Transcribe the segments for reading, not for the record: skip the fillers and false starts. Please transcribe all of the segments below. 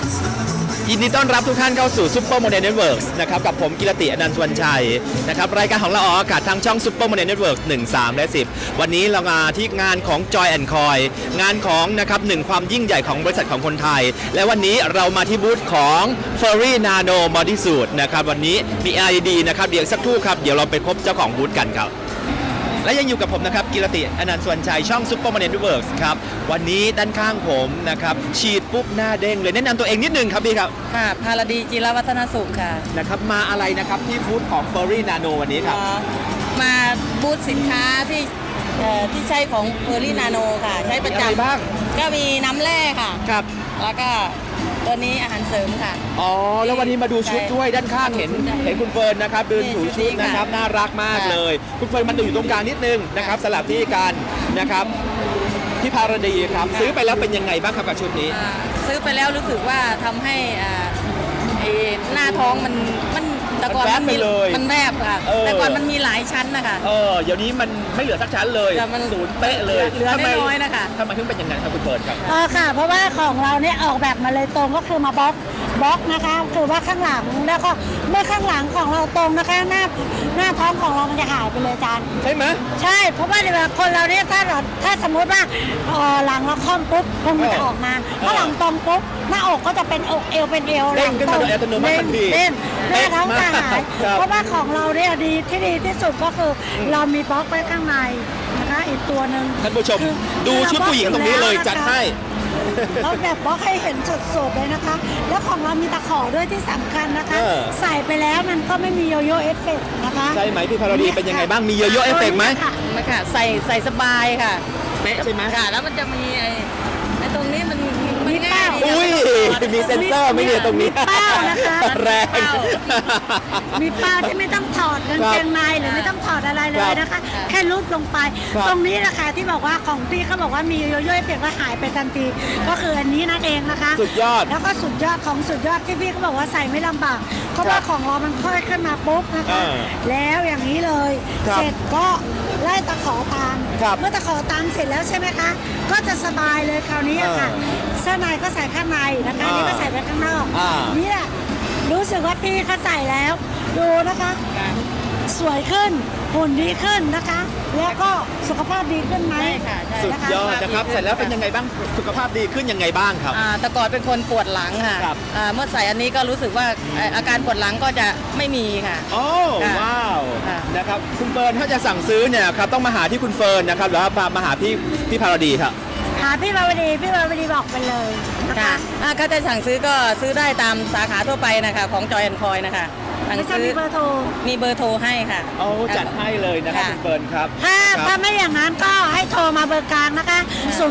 ยินดีต้อนรับทุกท่านเข้าสู่ซุปเปอร์โมเดลเน็ตเวิร์กนะครับกับผมกิรติอนันต์สุวรรณชัยนะครับรายการของเราออกอากาศทางช่องซุปเปอร์โมเดลเน็ตเวิร์ก1 3 และ 10วันนี้เรามาที่งานของ Joy and Coy งานของนะครับ1ความยิ่งใหญ่ของบริษัทของคนไทยและวันนี้เรามาที่บูธของ Furry Nano Bodysuit นะครับวันนี้มีอะไรดีนะครับเดี๋ยวสักครู่ครับเดี๋ยวเราไปพบเจ้าของบูธกันครับและยังอยู่กับผมนะครับกิรติอนันต์สุวรรณชัยช่องซุปเปอร์โมเดลเน็ตเวิร์กครับวันนี้ด้านข้างผมนะครับฉีดปุ๊บหน้าเด้งเลยแนะนำตัวเองนิดนึงครับพี่ครับค่ะพารดีจิรวัฒนสุขค่ะนะครับมาอะไรนะครับที่บูธของ Furry Nano วันนี้ครับมาบูธสินค้าที่ใช้ของ Furry Nano ค่ะใช้ประจำบ้างก็มีน้ำแร่ค่ะครับแล้วก็ตัวนี้อาหารเสริมค่ะอ๋อแล้ววันนี้มาดูชุดด้วยด้านข้างเห็นคุณเฟิร์นนะครับเดินถูชุดนะครับน่ารักมากเลยคุณเฟิร์นมันอยู่ตรงกลางนิดนึงนะครับสลับที่กันนะครับพี่ภารดีครับซื้อไปแล้วเป็นยังไงบ้างครับกับชุดนี้ซื้อไปแล้วรู้สึกว่าทำให้หน้าท้องมันแต่ก่อนมันแนบค่ะแต่ก่อนมันมีหลายชั้นนะคะเดี๋ยวนี้มันไม่เหลือสักชั้นเลยมันศูนย์เป๊ะเลยเหลือน้อยนะคะทำไมถึงเป็นอย่างนั้นครับคุณเฟิร์นครับค่ะเพราะว่าของเราเนี่ยออกแบบมาเลยตรงก็คือมาบล็อกนะคะคือว่าข้างหลังแล้วก็เมื่อข้างหลังของเราตรงนะคะหน้าท้องของเรามันจะหายไปเลยอาจารย์ใช่ไหมใช่เพราะว่าเวลาคนเราเนี่ยถ้าสมมติว่าหลังเราค่อมปุ๊บคงมันจะออกมาถ้าหลังตรงปุ๊บหน้าอกก็จะเป็นอกเอวเป็นเอวหลังตรงเด้งหน้าท้องจะหายเพราะว่าของเราเนี่ยดีที่สุดก็คือเรามีบล็อกไว้ข้างในนะคะอีกตัวหนึ่งท่านผู้ชมดูชุดผู้หญิงตรงนี้เลยจัดให้เราแบบบล็อกให้เห็นสดๆเลยนะคะแล้วของเรามีตะขอด้วยที่สำคัญนะคะใส่ไปแล้วมันก็ไม่มีโยโย่เอฟเฟกต์นะคะใช่ไหมพี่พารดีเป็นยังไงบ้างมีโยโย่เอฟเฟกต์ไหมไม่ค่ะใส่สบายค่ะเป๊ะใช่ไหมค่ะแล้วมันจะมีไอ้ตรงนี้มันง่ายอุ้ยมีเซ็นเซอร์ไม่เนี่ยตรงนี้มีเป้านะคะแรงมีเป้าที่ไม่ต้องถอดกางเกงในหรือไม่ต้องถอดอะไรเลยนะคะแค่ลูบลงไปตรงนี้นะคะที่บอกว่าของพี่เขาบอกว่ามีโยโย่เปลี่ยนก็หายไปทันทีก็คืออันนี้นั่นเองนะคะสุดยอดแล้วก็สุดยอดของสุดยอดที่พี่เขาบอกว่าใส่ไม่ลำบากเพราะว่าของเรามันค่อยขึ้นมาปุ๊บนะคะแล้วอย่างนี้เลยเสร็จก็ไล่ตะขอตามเมื่อตะขอตามเสร็จแล้วใช่ไหมคะก็จะสบายเลยคราวนี้ค่ะเสื้อในก็ใส่ข้างในนะคะนี่ก็ใส่ไปข้างนอกนี่แหละรู้สึกว่าพี่เขาใส่แล้วดูนะคะสวยขึ้นหุ่นดีขึ้นนะคะแล้วก็สุขภาพดีขึ้นไหมสุดยอดนะครับเสร็จแล้วเป็นยังไงบ้างสุขภาพดีขึ้นยังไงบ้างครับแต่ก่อนเป็นคนปวดหลังค่ะเมื่อใส่อันนี้ก็รู้สึกว่าอาการปวดหลังก็จะไม่มีค่ะโอ้ว้าวนะครับคุณเฟิร์นถ้าจะสั่งซื้อเนี่ยครับต้องมาหาที่คุณเฟิร์นนะครับหรือว่ามาหาพี่พารดีครับหาพี่บาวดีบอกไปเลยนะคะถ้าจะสั่งซื้อก็ซื้อได้ตามสาขาทั่วไปนะคะของ Joy and Coy นะคะไม่ใช่มีเบอร์โทรให้ค่ะโอ้จัดให้เลยนะครับคุณเฟิร์นครับถ้าไม่อย่างนั้นก็ให้โทรมาเบอร์กลางนะคะ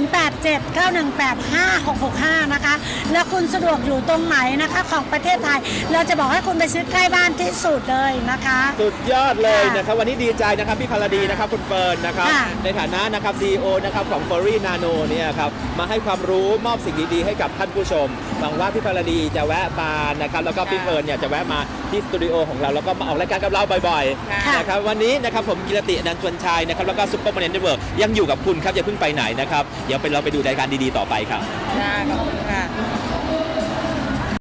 0879185665นะคะแล้วคุณสะดวกอยู่ตรงไหนนะคะของประเทศไทยเราจะบอกให้คุณไปซื้อใกล้บ้านที่สุดเลยนะคะสุดยอดเลยนะครับวันนี้ดีใจนะครับพี่พารดีนะครับคุณเฟิร์นนะครับในฐานะนะครับ CEO นะครับของ Furry Nano เนี่ยครับมาให้ความรู้มอบสิ่งดีๆให้กับท่านผู้ชมหวังว่าพี่พารดีจะแวะมานะครับแล้วก็พี่เฟิร์นเนี่ยจะแวะมาที่สตูดิโอของเราแล้วก็มาออกรายการกับเราบ่อยๆนะครับวันนี้นะครับผมกิรติอนันต์สุวรรณชัยนะครับแล้วก็ซุปเปอร์โมเดลเน็ตเวิร์กยังอยู่กับคุณครับอย่าเพิ่งไปไหนนะครับเดี๋ยวเราไปดูรายการดีๆต่อไปครับ